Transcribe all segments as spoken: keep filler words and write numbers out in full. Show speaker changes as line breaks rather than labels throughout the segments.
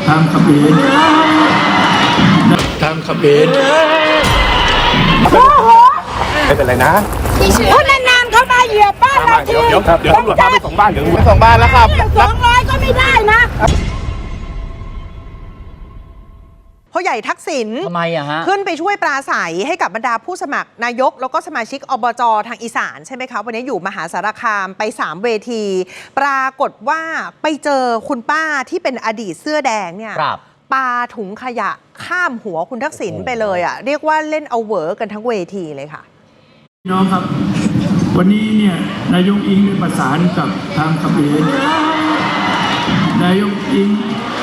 ทางเขมรทางเขมร
ไม่เป็นไรนะ
เพราะนานๆเขามาเหยียบบ้านเราที
เดี๋ยวเดี๋ยวตำรวจพาไปส่งบ้านเดี๋ยวไปส่งบ้านแล้วครับ
สองร้อยก็ไม่ได้นะพ่อใหญ่ทักษิณ
ทำไมอะฮะ
ขึ้นไปช่วยปราศัยให้กับบรรดาผู้สมัครนายกแล้วก็สมาชิกอบจทางอีสานใช่ไหมคะวันนี้อยู่มหาสารคามไปสามเวที ปรากฏว่าไปเจอคุณป้าที่เป็นอดีตเสื้อแดงเนี่ยปาถุงขยะข้ามหัวคุณทักษิณไปเลยอ่ะเรียกว่าเล่นเอาเวอร์กันทั้งเวทีเลยค่ะ
น้องครับวันนี้เนี่ยนายกอิงได้ประสานกับทางเขมรนายกอิง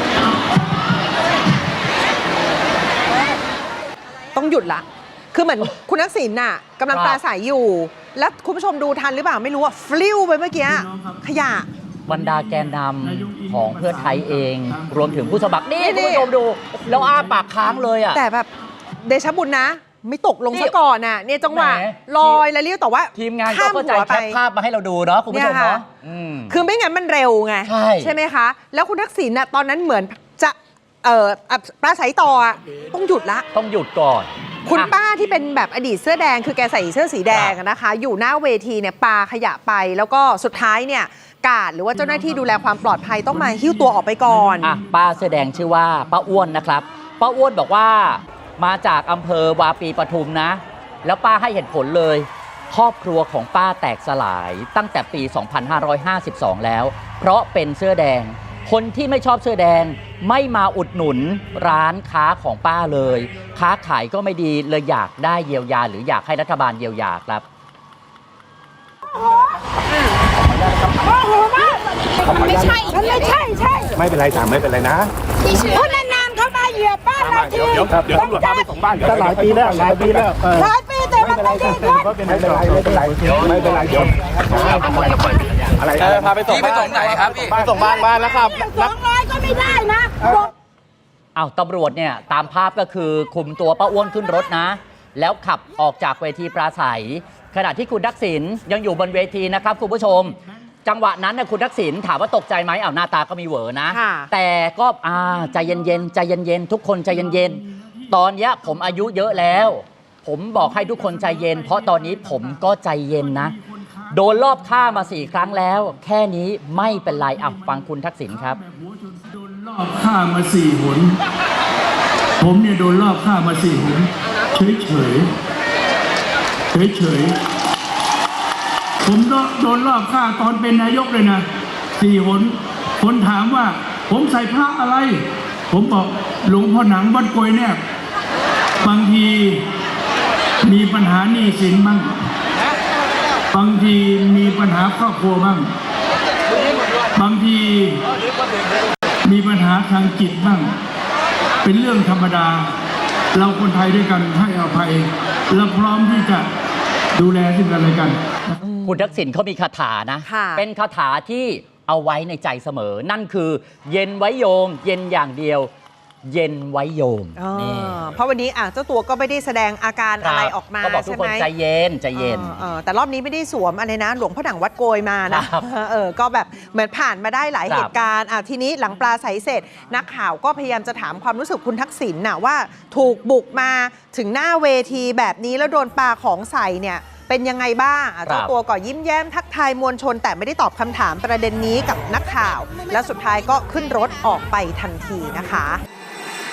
ต้องหยุดละคือเหมือนคุณทักษิณน่ะกำลังปราศัยอยู่ แล้วคุณผู้ชมดูทันหรือเปล่าไม่รู้ว่าฟลิวไปเมื่อกี้ขยะ
บรรดาแกนนำของเพื่อไทยเองรวมถึงผู้สมัครนี่คุณผู้ชมดูแล้วอ้าปากค้างเลยอ่ะ
แต่แบบเดชบุญนะไม่ตกลงซะก่อนน่ะเนี่ยจังหวะลอยแล้วเรียกแต่ว่า
ทีมงานก็เข้าใจแคปภาพมาให้เราดูเนาะคุณผู้ชมเนาะ
คือไม่งั้นมันเร็วไงใช่ไหมคะแล้วคุณทักษิณน่ะตอนนั้นเหมือนจะเอ่อปราศัยต่อต้องหยุดละ
ต้องหยุดก่อน
คุณป้าที่เป็นแบบอดีตเสื้อแดงคือแกใส่เสื้อสีแดงนะคะอยู่หน้าเวทีเนี่ยปาขยะไปแล้วก็สุดท้ายเนี่ยกาดหรือว่าเจ้าหน้าที่ดูแลความปลอดภัยต้องมาหิ้วตัวออกไปก่อน
อ่ะป้าเสื้อแดงชื่อว่าป้าอ้วนนะครับป้าอ้วนบอกว่ามาจากอำเภอวาปีปทุมนะแล้วป้าให้เหตุผลเลยครอบครัวของป้าแตกสลายตั้งแต่ปี สองพันห้าร้อยห้าสิบสอง แล้วเพราะเป็นเสื้อแดงคนที่ไม่ชอบเสื้อแดงไม่มาอุดหนุนร้านค้าของป้าเลยค้าขายก็ไม่ดีเลยอยากได้เยียวยาหรืออยากให้รัฐบาลเยียวยาครับ
ไม่ใช่มันไม่ใช่ใช่
ไม่เป็นไรถามไม่เป็นไรนะ
เพราะนานๆเขามาเหยียบบ้านเราที
เดี๋ยวเดี๋ยวตำรวจพาไปส่งบ้าน
หลายปีแล้วหลายปีแล้ว
หลายปีแต่มันไม่ดีขึ้น
ไม่เป็นไรไม่เป็นไรไม่เป็นไรเดี๋ยวอะไรพาไปส่ง
ไปส่งไหนครับพี่
ไปส่งบ้านบ้านแล้วครับ
สองร้อยก็ไม่ได้นะ
อ้าวตำรวจเนี่ยตามภาพก็คือคุมตัวป้าอ้วนขึ้นรถนะแล้วขับออกจากเวทีปราศัยขณะที่คุณทักษิณยังอยู่บนเวทีนะครับคุณผู้ชมจังหวะนั้นนะคุณทักษิณถามว่าตกใจไหมอ้าวหน้าตาก็มีเหวอนะแต่ก็อ่าใจเย็นๆใจเย็นๆทุกคนใจเย็นๆตอนนี้ผมอายุเยอะแล้วผมบอกให้ทุกคนใจเย็นเพราะตอนนี้ผมก็ใจเย็นนะโดนรอบฆ่ามาสี่ครั้งแล้วแค่นี้ไม่เป็นไรอ่ะฟังคุณทักษิณครับ
โดนรอบฆ่ามาสี่หนผมเนี่ยโดนรอบฆ่ามาสี่หนเฉยเฉยเฉยเฉยผมโดนรอบฆ่าตอนเป็นนายกเลยนะสี่หนคนถามว่าผมใส่พระอะไรผมบอกหลวงพ่อหนังวัดโกยแนบบางทีมีปัญหาหนี้สินบ้างบางทีมีปัญหาครอบครัวบ้างบางทีมีปัญหาทางจิตบ้างเป็นเรื่องธรรมดาเราคนไทยด้วยกันให้อภัยและพร้อมที่จะดูแลซึ่งกันและกัน
คุณทักษิณเขามีคาถานะเป็นคาถาที่เอาไว้ในใจเสมอนั่นคือเย็นไว้โยมเย็นอย่างเดียวเย็นไว้โยม
นี่เพราะวันนี้อ่ะเจ้าตัวก็ไม่ได้แสดงอาการอะไรออกมา
ก็บอกทุกคนใจเย็นใจเย็น
แต่รอบนี้ไม่ได้สวมอะไรนะหลวงพ่อหนังวัดโกยมานะเออก็แบบเหมือนผ่านมาได้หลายเหตุการณ์อ่ะทีนี้หลังปลาใสเสร็จนักข่าวก็พยายามจะถามความรู้สึกคุณทักษิณน่ะว่าถูกบุกมาถึงหน้าเวทีแบบนี้แล้วโดนปาของใส่เนี่ยเป็นยังไงบ้างเจ้าตัวก็ยิ้มแย้มทักทายมวลชนแต่ไม่ได้ตอบคำถามประเด็นนี้กับนักข่าวและสุดท้ายก็ขึ้นรถออกไปทันทีนะคะ